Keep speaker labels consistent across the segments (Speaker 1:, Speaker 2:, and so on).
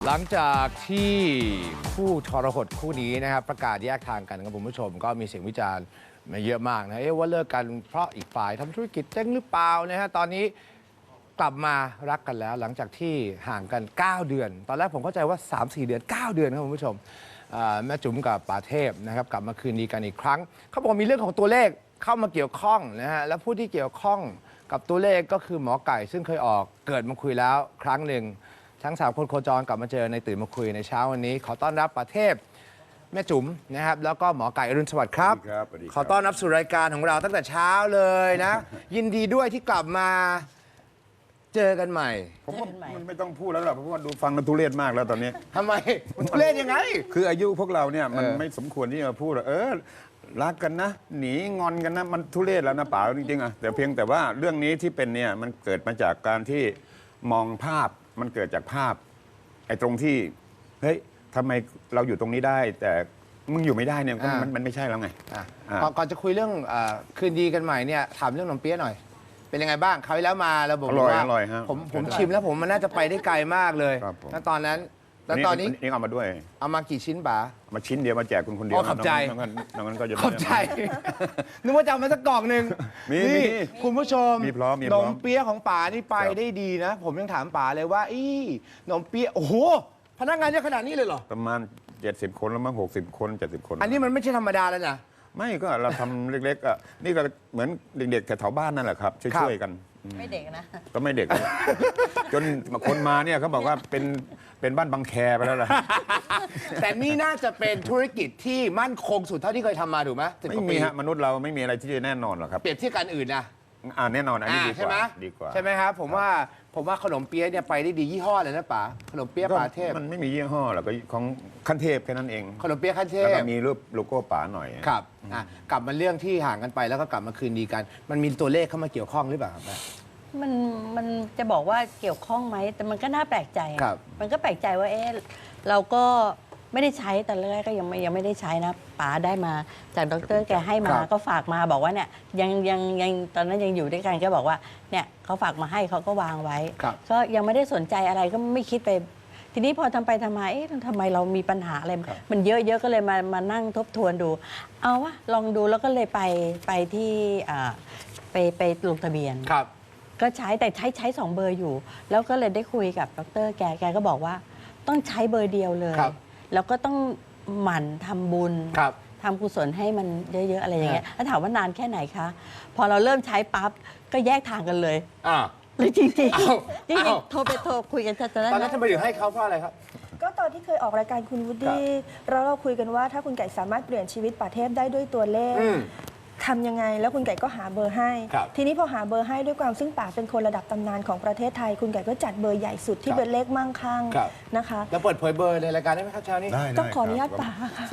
Speaker 1: หลังจากที่คู่ทรหดคู่นี้นะครับประกาศแยกทางกันครับคุณผู้ชมก็มีเสียงวิจารณ์มาเยอะมากนะว่าเลิกกันเพราะอีกฝ่ายทำธุรกิจเจ๊งหรือเปล่านะฮะตอนนี้กลับมารักกันแล้วหลังจากที่ห่างกัน 9 เดือน ตอนแรกผมเข้าใจว่า 3-4 เดือน 9 เดือนครับคุณผู้ชมแม่จุ๋มกับป๋าเทพนะครับกลับมาคืนดีกันอีกครั้งเขาบอกมีเรื่องของตัวเลขเข้ามาเกี่ยวข้องนะฮะและผู้ที่เกี่ยวข้องกับตัวเลขก็คือหมอไก่ซึ่งเคยออกเกิดมาคุยแล้วครั้งหนึ่งทั้ง3คนโคจรกลับมาเจอในตื่นมาคุยในเช้าวันนี้ขอต้อนรับป๋าเทพแม่จุ๋มนะครับแล้วก็หมอไก่อรุณสวัสดิ์ครับขอต้อนรับสู่รายการของเราตั้งแต่เช้าเลยนะยินดีด้วยที่กลับมาเจอกันใหม่
Speaker 2: ผมว่ามันไม่ต้องพูดแล้วหรอกเพราะว่าดูฟังกันทุเรศมากแล้วตอนนี้
Speaker 1: ทำไมมันทุเรศยังไง
Speaker 2: คืออายุพวกเราเนี่ยมันไม่สมควรที่จะพูดรักกันนะหนีงอนกันนะมันทุเรศแล้วนะป๋าจริงๆอะแต่เพียงแต่ว่าเรื่องนี้ที่เป็นเนี่ยมันเกิดมาจากการที่มองภาพมันเกิดจากภาพไอ้ตรงที่เฮ้ยทำไมเราอยู่ตรงนี้ได้ แต่มึงอยู่ไม่ได้เนี่ยมันไม่ใช่แล้วไง
Speaker 1: ก่อนจะคุยเรื่องคืนดีกันใหม่เนี่ยถามเรื่องขนมเปี๊ยะหน่อยเป็นยังไงบ้างคราวที่แล้วมาเราบอกว่าผมชิมแล้วผมมันน่าจะไปได้ไกลมากเลยแล้วตอนนั้นแล้วตอนนี้
Speaker 2: เอามาด้วย
Speaker 1: เอามากี่ชิ้นป๋า
Speaker 2: มาชิ้นเดียวมาแจกคุณคนเดียว
Speaker 1: ขอบใจ
Speaker 2: น้องนั้นก็จะ
Speaker 1: ขอบใจนึกว่าจะเอามาสักกล่องหนึ่งนี่คุณผู้ชมขนมเปี๊ยะของป๋านี่ไปได้ดีนะผมยังถามป๋าเลยว่าขนมเปี๊ยะโอ้โหพนักงานเยอะขนาดนี้เลยเหรอ
Speaker 2: ประมาณ70 คนแล้วมั้ง60 คน70 คน
Speaker 1: อันนี้มันไม่ใช่ธรรมดาแล้วนะ
Speaker 2: ไม่ก็เราทำเล็กๆอ่ะนี่ก็เหมือนเด็กๆแถวบ้านนั่นแหละครับช่วยๆกัน
Speaker 3: ไม่เด็กนะ
Speaker 2: ก็ไม่เด็กจนคนมาเนี่ยเขาบอกว่าเป็นบ้านบางแคไปแล้วล่ะ
Speaker 1: แต่นี่น่าจะเป็นธุรกิจที่มั่นคงสุดเท่าที่เคยทำมาถูกไหม
Speaker 2: ไม่มีฮะมนุษย์เราไม่มีอะไรที่จะแน่นอนหรอกครับ
Speaker 1: เปรียบเทียบกันอื่นนะ
Speaker 2: แน่นอนอันนี้
Speaker 1: ดีกว่าใช่ไหมครับผมว่าขนมเปี๊ยะเนี่ยไปได้ดียี่ห้อเลยนะป๋าขนมเปี๊ยะป๋าเทพ
Speaker 2: มันไม่มียี่ห้อหรอกก็ของขั้นเทพแค่นั้นเอง
Speaker 1: ขนมเปี๊ยะขั้นเทพ
Speaker 2: แล้วก็มีรูปโลโก้ป๋าหน่อย
Speaker 1: ครับกลับมาเรื่องที่ห่างกันไปแล้วก็กลับมาคืนดีกัน มันมีตัวเลขเข้ามาเกี่ยวข้องหรือเปล่าครับ
Speaker 3: มันจะบอกว่าเกี่ยวข้องไหมแต่มันก็น่าแปลกใจมันก็แปลกใจว่าเราก็ไม่ได้ใช้แต่แรกก็ยังไม่ได้ใช้นะป๋าได้มาจากดร.แกให้มาก็ฝากมาบอกว่าเนี่ยยังตอนนั้นยังอยู่ด้วยกันก็บอกว่าเนี่ยเขาฝากมาให้เขาก็วางไว้ก็ยังไม่ได้สนใจอะไรก็ไม่คิดไปทีนี้พอทำไปทำมาทำไมเรามีปัญหาอะไรมันเยอะก็เลยมานั่งทบทวนดูเอาวะลองดูแล้วก็เลยไปที่ไปลงทะเบียนก็ใช้แต่ใช้2 เบอร์อยู่แล้วก็เลยได้คุยกับดร.แกก็บอกว่าต้องใช้เบอร์เดียวเลยแล้วก็ต้องหมั่นทำบุญทำกุศลให้มันเยอะๆอะไรอย่างเงี้ยแล้วถามว่านานแค่ไหนคะพอเราเริ่มใช้ปั๊บก็แยกทางกันเลยเลยจริงจริงโทรคุยกันตอน
Speaker 1: นั้นทำไมถึงให้เขาเพราะอะไรครับ
Speaker 4: ก็ตอนที่เคยออกรายการคุณวูดดี้เราคุยกันว่าถ้าคุณไก่สามารถเปลี่ยนชีวิตป๋าเทพได้ด้วยตัวเลขทำยังไงแล้วคุณไก่ก็หาเบอร์ให้ทีนี้พอหาเบอร์ให้ด้วยความซึ่งป๋าเป็นคนระดับตำนานของประเทศไทยคุณไก่ก็จัดเบอร์ใหญ่สุดที่เป็นเลขมั่งคั่งนะคะ
Speaker 1: แล้วเปิดเผยเบอร์ในรายการได้ไหมครับเช้านี้
Speaker 4: ต้องขออนุญาตป๋าค่ะ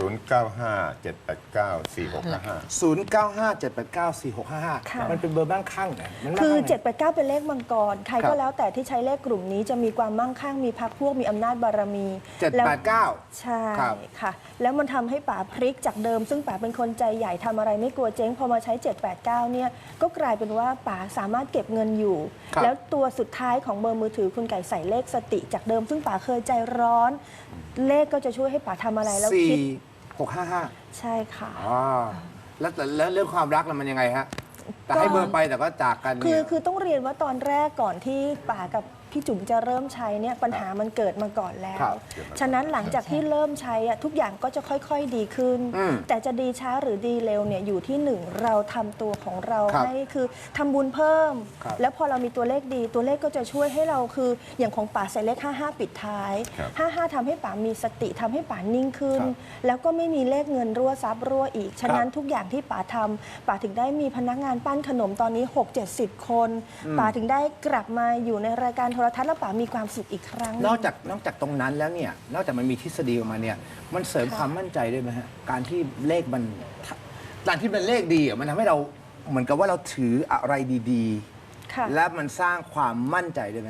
Speaker 2: 0957894655
Speaker 1: มันเป็นเบอร์มั่งคั่ง
Speaker 4: คือ789เป็นเลขมังกรใครก็แล้วแต่ที่ใช้เลขกลุ่มนี้จะมีความมั่งคั่งมีพรรคพวกมีอำนาจบารมี
Speaker 1: 789
Speaker 4: ใช่ค่ะแล้วมันทำให้ป๋าพลิกจากเดิมซึ่งป๋าเป็นคนใจใหญ่ทำอะไรไม่กลัวเจ๊งพอมาใช้789เนี่ยก็กลายเป็นว่าป๋าสามารถเก็บเงินอยู่แล้วตัวสุดท้ายของเบอร์มือถือคุณไก่ใส่เลขสติจากเดิมซึ่งป๋าเคยใจร้อนเลขก็จะช่วยให้ป๋าทำอะไรแล้วคิด
Speaker 1: 4655
Speaker 4: ใช่ค่ะ
Speaker 1: แล้วเรื่องความรักมันยังไงฮะแต่ให้เบอร์ไปแต่ก็จากกัน
Speaker 4: คือต้องเรียนว่าตอนแรกก่อนที่ป๋ากับพี่จุ๋มจะเริ่มใช้เนี่ยปัญหามันเกิดมาก่อนแล้วฉะนั้นหลังจากที่เริ่มใช้ทุกอย่างก็จะค่อยๆดีขึ้นแต่จะดีช้าหรือดีเร็วเนี่ยอยู่ที่1เราทำตัวของเราให้คือทำบุญเพิ่มแล้วพอเรามีตัวเลขดีตัวเลขก็จะช่วยให้เราคืออย่างของป๋าใส่เลข55ปิดท้าย55ทำให้ป๋ามีสติทำให้ป๋านิ่งขึ้นแล้วก็ไม่มีเลขเงินรั่วซับรั่วอีกฉะนั้นทุกอย่างที่ป๋าทำป๋าถึงได้มีพนักงานปั้นขนมตอนนี้6-70 คนป๋าถึงได้กลับมาอยู่ในรายการโทรทัศน์แล้วป๋ามีความสุขอีกครั้ง
Speaker 1: นอกจากตรงนั้นแล้วเนี่ยนอกจากมันมีทฤษฎีออกมาเนี่ยมันเสริมความมั่นใจด้วยไหมฮะการที่เลขมันเลขดีมันทำให้เราเหมือนกับว่าเราถืออะไรดีๆและมันสร้างความมั่นใจด้วยไหม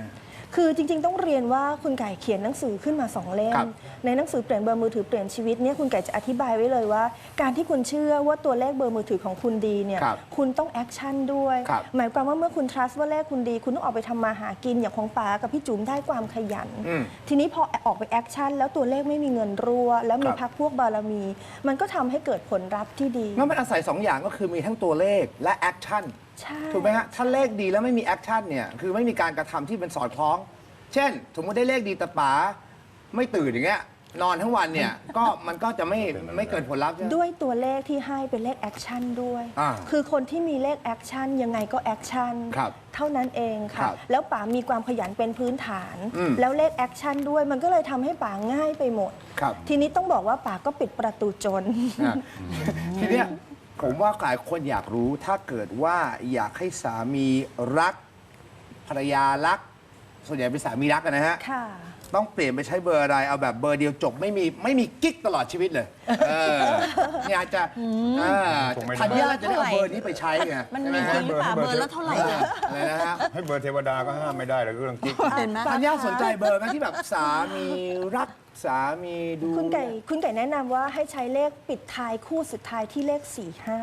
Speaker 4: คือจริงๆต้องเรียนว่าคุณไก่เขียนหนังสือขึ้นมา2 เล่
Speaker 1: ครั
Speaker 4: ม
Speaker 1: บ
Speaker 4: ในหนังสือเปลี่ยนเบอร์มือถือเปลี่ยนชีวิตเนี่ยคุณไก่จะอธิบายไว้เลยว่า การที่คุณเชื่อว่าตัวเลขเบอร์มือถือของคุณดีเนี่ย
Speaker 1: ครับ
Speaker 4: คุณต้องแอคชั่นด้วย
Speaker 1: ครับ
Speaker 4: หมายความว่าเมื่อคุณ trust ว่าเลขคุณดี คุณต้องออกไปทำมาหากินอย่างของป๋ากับพี่จุ๋มได้ความขยัน
Speaker 1: อืม
Speaker 4: ทีนี้พอออกไปแอคชั่นแล้วตัวเลขไม่มีเงินรั่วแล้วมี
Speaker 1: ครับ
Speaker 4: พรรคพวกบารมี มันก็ทำให้เกิดผลลัพธ์ที่ดี
Speaker 1: งั้นมันอาศัย 2 อย่างก็คือมีทั้งตัวเลขและแอคชั่น
Speaker 4: ใช่
Speaker 1: ถูกไหมฮะ ถ้าเลขดีแล้วไม่มีแอคชั่นเนี่ย คือไม่มีการกระทำที่เป็นสอดคล้อง เช่น สมมติได้เลขดีแต่ป๋าไม่ตื่นอย่างเงี้ย นอนทั้งวันเนี่ย มันก็จะไม่เกิดผลลัพธ์ใช่ไหม
Speaker 4: ด้วยตัวเลขที่ให้เป็นเลขแอคชั่นด้วย
Speaker 1: อ่า
Speaker 4: คือคนที่มีเลขแอคชั่นยังไงก็แอคชั่น
Speaker 1: ครับ
Speaker 4: เท่านั้นเอง
Speaker 1: ค
Speaker 4: ค่ะ
Speaker 1: รับ
Speaker 4: แล้วป๋ามีความขยันเป็นพื้นฐาน
Speaker 1: อืม
Speaker 4: แล้วเลขแอคชั่นด้วย มันก็เลยทำให้ป๋าง่ายไปหมด
Speaker 1: ครับ
Speaker 4: ทีนี้ต้องบอกว่าป๋าก็ปิดประตูจน
Speaker 1: อ่ะทีเนี้ยผมว่าหลายคนอยากรู้ถ้าเกิดว่าอยากให้สามีรักภรรยารัก ส่วนใหญ่เป็นสามีรักกันนะฮะ
Speaker 4: ค่ะ
Speaker 1: ต้องเปลี่ยนไปใช้เบอร์อะไร เอาแบบเบอร์เดียวจบไม่มีกิ๊กตลอดชีวิตเลยเนี่ยอาจจะ
Speaker 2: คงไม่ได้
Speaker 1: ทันยาจะได้เอาเบอร์นี้ไปใช้ไง
Speaker 3: มัน
Speaker 1: ใช่ไห
Speaker 3: มี
Speaker 1: ฮะ
Speaker 3: จริงหรือเปล่าเบอร์ละเท่าไหร่อะ
Speaker 1: อะไรนะฮะ
Speaker 2: ให้เบอร์เทวดาก็ห้ามไม่ได้เลยเรื่องกิ๊ก
Speaker 3: เห็นไหม
Speaker 1: ทันยาสนใจเบอร์ไหมที่แบบสามีรักสามีดู
Speaker 4: คุณไก่แนะนำว่าให้ใช้เลขปิดท้ายคู่สุดท้ายที่เลข 45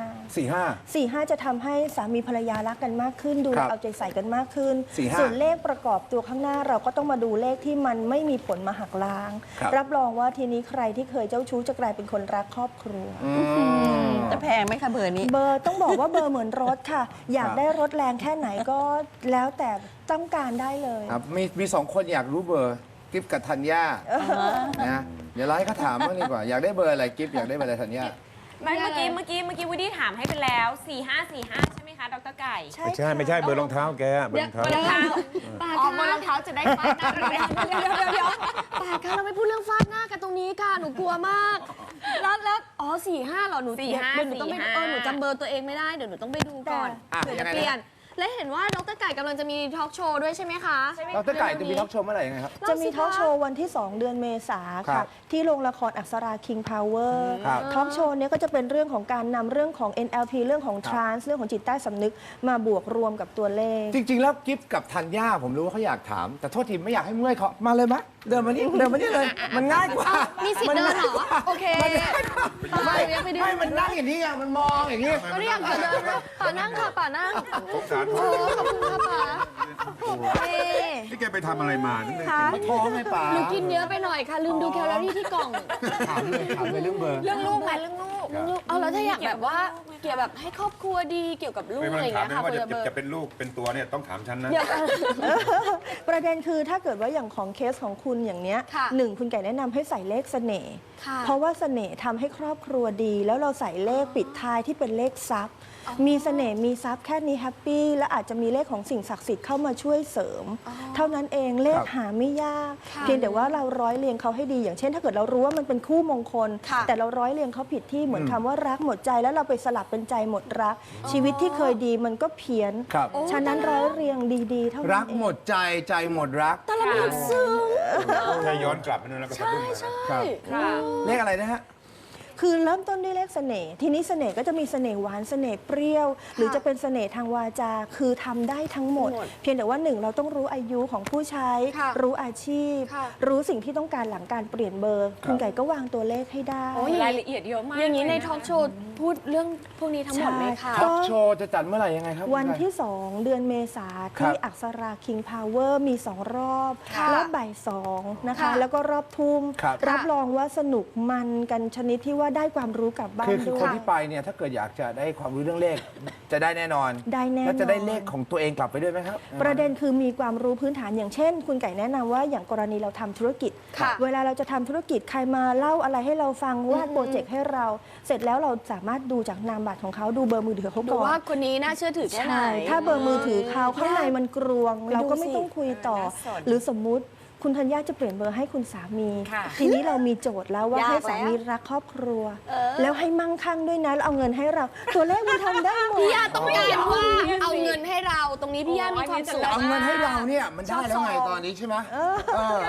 Speaker 1: 45
Speaker 4: จะทำให้สามีภรรยารักกันมากขึ้น ดู
Speaker 1: ครับ
Speaker 4: เอาใจใส่กันมากขึ้น
Speaker 1: 45
Speaker 4: ส่วนเลขประกอบตัวข้างหน้าเราก็ต้องมาดูเลขที่มันไม่มีผลมาหักล้าง
Speaker 1: ครับ
Speaker 4: รับรองว่าทีนี้ใครที่เคยเจ้าชู้จะกลายเป็นคนรักครอบครัว
Speaker 3: จะแพงไหมคะเบอร์นี้
Speaker 4: เบอร์ต้องบอกว่าเบอร์เหมือนรถค่ะ อยากได้รถแรงแค่ไหนก็แล้วแต่ต้องการได้เลย
Speaker 1: ครับมี2 คนอยากรู้เบอร์กิฟกับธัญญานะเดี๋ยวเราให้เขาถามบ้างดีกว่า อยากได้เบอร์อะไรกิฟอยากได้เบอร์อะไรธัญญา
Speaker 5: ไม่เมื่อกี้วูดดี้ถามให้ไปแล้ว 4545 ใช่ไหมคะดรไก่
Speaker 2: ไม่ใช่เบอร์รองเท้าแกเบอร์รองเท้า
Speaker 5: รองเท้า
Speaker 6: ป่า
Speaker 5: อ๋อ
Speaker 6: คะ
Speaker 5: บนรองเท้าจะได้ฟาดหน้าเราได้
Speaker 6: เดี๋ยวป่าคะเราไม่พูดเรื่องฟาดหน้ากันตรงนี้ค่ะหนูกลัวมากแล้วอ๋อ45เหรอหนู
Speaker 5: 45
Speaker 6: เดี๋ยวหนูต้องไปดูหนูจำเบอร์ตัวเองไม่ได้เดี๋ยวหนูต้องไปดูก่อน
Speaker 1: อ่ะ
Speaker 6: เผื่อ
Speaker 1: ยั
Speaker 6: จะ
Speaker 1: งไงนะ
Speaker 6: เปลี่ยนและเห็นว่าดรไก่กำลังจะมีทอล์กโชว์ด้วยใช่ไหมคะ
Speaker 1: ดรไก่จะมีทอล์กโชว์เมื่อไหร่ยังไงครับ
Speaker 4: จะมีทอล์กโชว์วันที่ 2 เดือนเมษา
Speaker 1: ครั
Speaker 4: ค่ะ
Speaker 1: บ
Speaker 4: ที่โรงละครอักษรา King Power
Speaker 1: ครับ
Speaker 4: ทอล์กโชว์เนี้ยก็จะเป็นเรื่องของการนำเรื่องของ NLP เรื่องของ trance เรื่องของจิตใต้สำนึกมาบวกรวมกับตัวเลข
Speaker 1: จริง ๆ แล้วกิฟกับธัญญาผมรู้ว่าเขาอยากถาม แต่โทษทีไม่อยากให้เมื่อยเขามาเลยมะเดินมานี่เลย มันง่ายกว่า
Speaker 6: มีสิทธิ์เดินเหรอโอเค
Speaker 1: ไม่
Speaker 6: ยังไม่ได้
Speaker 1: ไม่มันนั่งอย่างนี้ไงมันมองอย่างนี้
Speaker 6: ก็ได้อยากจะเดินนะป่านั่งค่ะป่านั่ง
Speaker 2: สงสาร
Speaker 6: โอ้ขอบคุณค่ะป่าเอ๊ะ
Speaker 2: นี่แกไปทำอะไรมานี่
Speaker 1: มาท้องไงป่า
Speaker 6: หนูกินเยอะไปหน่อยค่ะลืมดูแคลอรี่ที่กล่อง
Speaker 1: ถามเลยเรื่องเบอร์
Speaker 6: เรื่องลูกไหมเรื่องลูกเอาแล้วถ้าอยากแบบว่าเกี่ยวแบบให้ครอบครัวดีเกี่ยวกับลูก
Speaker 2: ไม่
Speaker 6: อะไร
Speaker 2: มา
Speaker 6: อย่าง
Speaker 2: ถาม
Speaker 6: เงี้ย
Speaker 2: เลย
Speaker 6: ค่ะ
Speaker 2: ว่า
Speaker 6: เบอร์
Speaker 2: จะเป็นลูกเป็นตัวเนี่ยต้องถามฉันนะ
Speaker 6: เดี๋ยวกัน
Speaker 4: ประเด็นคือถ้าเกิดว่าอย่างของเคสของคุณอย่างเนี้ย
Speaker 6: ค่ะ
Speaker 4: หนึ่งคุณไก่แนะนำให้ใส่เลขเสน่ห์
Speaker 6: ค่ะ
Speaker 4: เพราะว่าเสน่ห์ทำให้ครอบครัวดี แล้วเราใส่เลขปิดท้ายที่เป็นเลขทรัพย์ มีเสน่ห์มีทรัพย์แค่นี้แฮปปี้และอาจจะมีเลขของสิ่งศักดิ์สิทธิ์เข้ามาช่วยเสริม เท่านั้นเองเลขหาไม่ยาก
Speaker 6: ค่ะ
Speaker 4: เพียงแต่ว่าเราร้อยเรียงเขาให้ดี อย่างเช่น ถ้าเกิดเรารู้ว่ามันเป็นคู่มงคล
Speaker 6: ค่ะ
Speaker 4: แต่เราร้อยเรียงเขาผิดที่เหมือนคำว่ารักหมดใจแล้วเราไปสลับเป็นใจหมดรัก ชีวิตที่เคยดีมันก็เพี้ยน
Speaker 1: ครับ
Speaker 4: ฉะนั้นร้อยเรียงดีๆเท่านั้น
Speaker 1: รัก
Speaker 4: เอง
Speaker 1: หมดใจใจหมดรัก
Speaker 6: แต่ละมันซึ้ง
Speaker 2: ถ้าย้อนกลับไปนู่นแล้วก็สะดุ้งเลยนะ
Speaker 1: ครับ
Speaker 5: ค่ะ
Speaker 1: เลขอะไรนะฮะ
Speaker 4: คือเริ่มต้นด้วยเลขเสน่ห์ทีนี้เสน่ห์ก็จะมีเสน่ห์หวานเสน่ห์เปรี้ยว หรือจะเป็นเสน่ห์ทางวาจาคือทำได้ทั้งหมด เพียงแต่ว่าหนึ่งเราต้องรู้อายุของผู้ใช้
Speaker 6: ค่ะ
Speaker 4: รู้อาชีพ
Speaker 6: ค่ะ
Speaker 4: รู้สิ่งที่ต้องการหลังการเปลี่ยนเบอร์ คุณไก่ก็วางตัวเลขให้ได้
Speaker 6: โอ้ย
Speaker 5: รายละเอียดเยอะมาก
Speaker 6: อย่างนี้ใน
Speaker 5: เละ
Speaker 6: ทอล์กโชว์พูดเรื่องพวกนี้ทั้งหมดไหมคะ
Speaker 4: ใช่
Speaker 1: ท็อปโชว์จะจัดเมื่อไหร่ยังไงครับ
Speaker 4: วันที่ 2 เดือนเมษา
Speaker 1: ครั
Speaker 4: ที่
Speaker 1: บ
Speaker 4: อักษรา King Power มี 2 รอบ
Speaker 6: ค่ะ
Speaker 4: รอบบ่าย2นะคะ
Speaker 6: ค่ะ
Speaker 4: แล้วก็รอบทุ่ม
Speaker 1: ครับ
Speaker 4: รับรองว่าสนุกมันกันชนิดที่ว่าได้ความรู้กลับบ้าน
Speaker 1: คือ
Speaker 4: ด้วย
Speaker 1: คนที่ไปเนี่ยถ้าเกิดอยากจะได้ความรู้เรื่องเลข จะได้แน่นอน
Speaker 4: ได้แน่นอน
Speaker 1: แล้วจะได้เลขของตัวเองกลับไปด้วยไหมครับ
Speaker 4: ประเด็นคือมีความรู้พื้นฐานอย่างเช่น คุณไก่แนะนำว่าอย่างกรณีเราทำธุรกิจ
Speaker 6: ค่ะ
Speaker 4: เวลาเราจะทำธุรกิจใครมาเล่าอะไรให้เราฟังวาดโปรเจกต์ให้เรา เสร็จแล้วเราสามารถดูจากนามบัตรของเขาดูเบอร์มือถือเขา
Speaker 6: ดู
Speaker 4: ก่อน
Speaker 6: ว่าคนนี้น่าเชื่อถือแค่ไหน
Speaker 4: ใช่ถ้าเบอร์มือถือเขาข้างในมันกรวง
Speaker 6: ไปดู
Speaker 4: เราก็ไม่
Speaker 6: สิ
Speaker 4: ต้องคุยต่อ
Speaker 5: น่าสน
Speaker 4: หรือสมมุติคุณธัญญาจะเปลี่ยนเบอร์ให้คุณสามี
Speaker 5: ค่ะ
Speaker 4: ทีนี้เรามีโจทย์แล้วว่าย
Speaker 6: าก
Speaker 4: ให้สามี
Speaker 6: แล้ว
Speaker 4: รักครอบครัว แล้วให้มั่งคั่งด้วยนะแล้วเอาเงินให้เรา ตัวเลขมันทำได้หมด
Speaker 6: พี่ยาต้องการว่าเอาเงินให้เราตรงนี้พี่ยามีความสุข
Speaker 1: เอาเงินให้เราเนี่ยมันได้แล้วไงตอนนี้ใช่ไหมเออ
Speaker 5: ได้เป็นว่า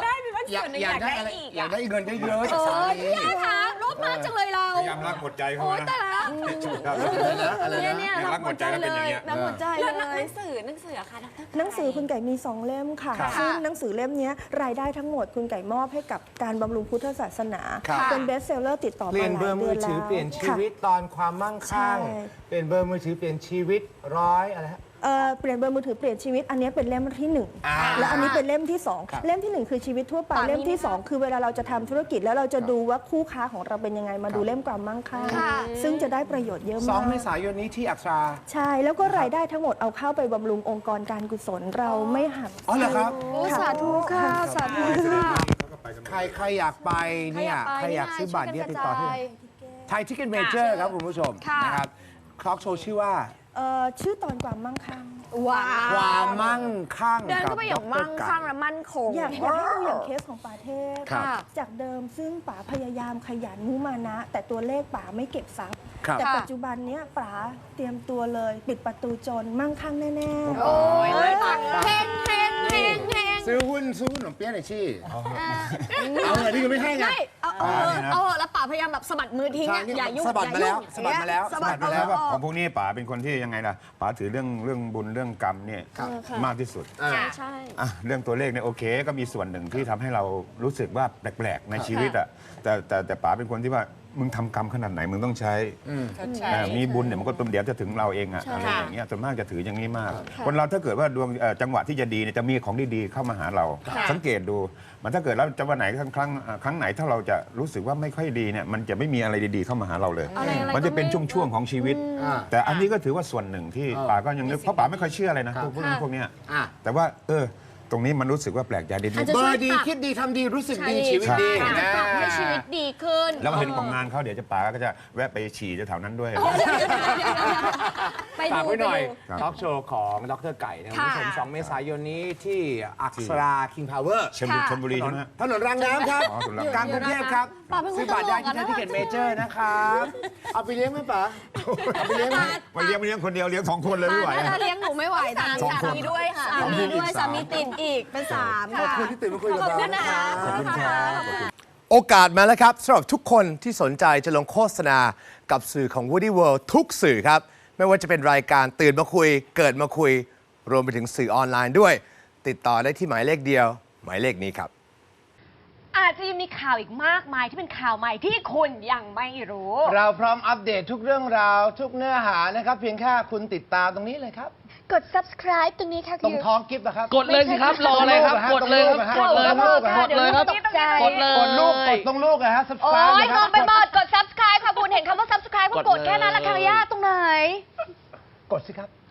Speaker 1: อยาก
Speaker 5: ส่วนหนึ่ง
Speaker 1: อยากได้
Speaker 5: อยากได้
Speaker 1: อะไร
Speaker 5: อีก
Speaker 1: อยาก
Speaker 5: อะ
Speaker 1: ได้เงินเยอะๆจาก
Speaker 6: โอ้
Speaker 1: สาย มี
Speaker 6: พี่คะรบมากจังเลยเรา
Speaker 2: พยายามรักหมดใจเขา
Speaker 6: โอ้
Speaker 2: นะ
Speaker 6: แต่ละ
Speaker 1: อะไร
Speaker 6: เนี่ย
Speaker 1: นะ
Speaker 6: เนี่ย
Speaker 2: รั
Speaker 6: รั
Speaker 2: ก
Speaker 6: ก
Speaker 2: ห
Speaker 6: ห
Speaker 2: ม
Speaker 6: ม
Speaker 2: ด
Speaker 6: ด
Speaker 2: ใจ
Speaker 6: ใจ
Speaker 2: แล้ว
Speaker 6: เล
Speaker 2: เป็นอย่าง
Speaker 6: ย
Speaker 2: เงี้ย
Speaker 6: รักหมดใจ
Speaker 5: แล้ว
Speaker 6: เล
Speaker 5: หนั
Speaker 6: ย
Speaker 5: งสืออะคะดร
Speaker 4: หนังสือคุณไก่มี 2 เล่มค่ะ
Speaker 1: ครับ
Speaker 4: ซึ่งหนังสือเล่มเนี้ยรายได้ทั้งหมดคุณไก่มอบให้กับการบำรุงพุทธศาสนา
Speaker 1: ครับ
Speaker 4: เป็นเบสเซลเลอร์ติดต่อ
Speaker 1: เป
Speaker 4: มา
Speaker 1: ลี่ยน
Speaker 4: ห
Speaker 1: เบอ
Speaker 4: ลาย
Speaker 1: ร์
Speaker 4: เดื
Speaker 1: มื
Speaker 4: อ
Speaker 1: อน
Speaker 4: แล้ว
Speaker 1: ถือเปลี่ยนชีวิต
Speaker 4: ค่ะ
Speaker 1: ตอนความมั่งคั่ง
Speaker 4: ใช่
Speaker 1: เปลี่ยนเบอร์มือถือเปลี่ยนชีวิต100อะไรฮะ
Speaker 4: เปลี่ยนเบอร์มือถือเปลี่ยนชีวิตอันนี้เป็นเล่มที่
Speaker 1: อ่า
Speaker 4: 1 และอันนี้เป็นเล่มที่
Speaker 1: ครับ
Speaker 4: 2 เล่มที่ 1 คือชีวิตทั่วไป
Speaker 6: ป่ามี
Speaker 4: เล่มที่
Speaker 6: ไหมคะ
Speaker 4: 2 คือเวลาเราจะทำธุรกิจแล้วเราจะดูว่าคู่ค้าของเราเป็นยังไงมาดูเล่มความมั่งคั่ง
Speaker 6: ค่ะ
Speaker 4: ซึ่งจะได้ประโยชน์เยอะมาก
Speaker 1: 2 เมษายนนี้ที่อักษรา
Speaker 4: ใช่แล้วก็รายได้ทั้งหมดเอาเข้าไปบำรุงองค์กรการกุศลเราไม่หัก
Speaker 1: อ๋อเหรอครับ
Speaker 6: โอ้สาธุค่ะ สาธุค่ะ
Speaker 1: ใครอยากไปเนี่ยใครอยากซื้อบัตรเนี่ยติดต่อที่ไทยทิกเก็ตเมเจอร์ครับคุณผู้ชม
Speaker 6: ค่ะ
Speaker 1: นะครับคล็อกโชว์ชื่อว่า
Speaker 4: ชื่อตอนความมั่งคั่ง
Speaker 6: ว้า
Speaker 1: ความมั่งคั่ง
Speaker 6: เดินเข้าไปอย่าง
Speaker 1: กับ
Speaker 6: มั่งคั่งและมั่นคง
Speaker 4: อยากให้ดูอย่างเคสของป่าเทพ
Speaker 1: ครับ
Speaker 4: จากเดิมซึ่งป๋าพยายามขยันมุมานะ แต่ตัวเลขป๋าไม่เก็บทรัพย์
Speaker 1: ครับ
Speaker 4: แต่
Speaker 6: ค่ะ
Speaker 4: ปัจจุบันเนี้ยป๋าเตรียมตัวเลย ปิดประตูจนมั่งคั่งแน่
Speaker 6: โอ้ยเฮงเฮงเฮงเฮง
Speaker 1: ซื้อหุ้นขนมเปี๊ยะหน่อยชี่เอาเงินที่ยังไม่ให้ไง
Speaker 6: ไม่เอาแล้วป่าพยายามแบบสะบัดมือทิ้งอะอย่ายุ่ง
Speaker 1: สะบัดมาแล้ว
Speaker 6: อย่ายุ่ง
Speaker 1: สะบัดมาแล้ว
Speaker 6: สะบัด
Speaker 1: สะบัดมาแล้ว
Speaker 2: ของพวกนี้ป๋าเป็นคนที่ยังไงล่ะป๋าถือเรื่องบุญเรื่องกรรมเนี่ยมากที่สุด
Speaker 6: ใช่
Speaker 2: อ่ะเรื่องตัวเลขเนี่ยโอเคก็มีส่วนหนึ่งที่ทำให้เรารู้สึกว่าแปลกๆในชีวิตอ่ะแต่ป๋าเป็นคนที่ว่ามึงทำกรรมขนาดไหนมึงต้องใช้มีบุญเนี่ยมันก็เดี๋ยวจะถึงเราเองอ่ะอะไรอย่างเงี้ยส่วนมากจะถืออย่างนี้มาก คนเราถ้าเกิดว่าดวงจังหวะที่จะดีเนี่ยจะมีของดีๆเข้ามาหาเรา สังเกตดูมันถ้าเกิดแล้วจะวันไหนครั้งไหนถ้าเราจะรู้สึกว่าไม่ค่อยดีเนี่ยมันจะไม่มีอะไรดีๆเข้ามาหาเราเลย
Speaker 6: อะไรๆ
Speaker 2: มันจะเป็น
Speaker 6: ก็ไม่
Speaker 2: ช่วงๆของชีวิต แต่อันนี้ก็ถือว่าส่วนหนึ่งที่ป๋าก็ยังนึกเพราะป๋าไม่ค่อยเชื่ออะไรนะพวกเรื่องพวกเนี้ย
Speaker 1: อ่ะ
Speaker 2: แต่ว่าตรงนี้มันรู้สึกว่าแปลกใจดี
Speaker 6: อาจจะ
Speaker 1: เบ
Speaker 6: ช่
Speaker 1: อ
Speaker 6: วย
Speaker 1: ร์ดี
Speaker 6: ปรับ
Speaker 1: คิดดีทำดีรู้สึกดี
Speaker 6: ใช่
Speaker 1: ชีวิตดี
Speaker 6: อาจจะปรับให้ชีวิตดีขึ้น
Speaker 2: แล้วเห็นของงานเขาเดี๋ยวจะป๋าก็จะแวะไปฉี่แถวๆนั้นด้วย
Speaker 6: ไป
Speaker 1: ฝาก
Speaker 6: ดู
Speaker 1: ไว้หน่อย
Speaker 6: ไปดู
Speaker 1: ทอล์กโชว์ของดรไก่นะครับคุณผู้ชม
Speaker 6: ค่ะ
Speaker 1: 2 เมษายนนี้ที่อักษราคิงพาวเวอร์
Speaker 2: ชลบุรีใช่ไหมฮะ
Speaker 1: ถนนรางน้ำครับ
Speaker 2: อ๋อถนนรางน้ำ
Speaker 1: กลางกรุงเทพครับ
Speaker 6: ป๋าเป็นคน
Speaker 1: ซื้อบัตรได้ที่
Speaker 6: ต
Speaker 1: ไท
Speaker 6: ล
Speaker 1: ย
Speaker 6: กอะ
Speaker 1: ทิเก็ตเมเจอร์นะครับเอาไปเลี้ยงไหมป๋าเอาไปเลี้ยงไหม
Speaker 2: มาเลี้ยงคนเดียวเลี้ยง2 คนเลยไม่ไหว
Speaker 6: ถ้าเลี้ยงหนูไม่ไหวนะ
Speaker 2: สองคน
Speaker 6: สามีด้วยค่ะสามีด้วยสามีติดอีกเป็น3
Speaker 1: ขอบ
Speaker 6: ค่ะ
Speaker 1: คุณที่ตื่นมาคุยกับ
Speaker 6: ขอบ
Speaker 1: เรา
Speaker 6: คุณนะ
Speaker 1: นะครับ
Speaker 2: ขอบคุณครับ
Speaker 1: โอกาสมาแล้วครับสำหรับทุกคนที่สนใจจะลงโฆษณากับสื่อของ Woody World ทุกสื่อครับ ไม่ว่าจะเป็นรายการตื่นมาคุย เกิดมาคุย รวมไปถึงสื่อออนไลน์ด้วย ติดต่อได้ที่หมายเลขเดียว หมายเลขนี้ครับ
Speaker 7: อาจจะยังมีข่าวอีกมากมายที่เป็นข่าวใหม่ที่คุณยังไม่รู้
Speaker 1: เราพร้อมอัปเดตทุกเรื่องราว ทุกเนื้อหานะครับ เพียงแค่คุณติดตามตรงนี้เลยครับ
Speaker 6: กด subscribe ตรงนี้ค่ะ
Speaker 1: ตรงท้องกิฟต์นะครับ
Speaker 8: กดเลยสิครับ รออะไรครับ กดเลยครับ กดเลยครับ กดเลยครับ
Speaker 6: ตกใจ
Speaker 8: กดเลย
Speaker 1: กดลูกกดตรงลูกนะฮะ
Speaker 7: โอ้
Speaker 1: subscribe
Speaker 7: ย
Speaker 1: เลย
Speaker 7: ง
Speaker 1: ครั
Speaker 7: งไปหมด กด subscribe ค่ะคุณเห็นคำว่า subscribe ก็กดแค่นั้นละค่ะย่าตรงไหน
Speaker 1: กดสิครับ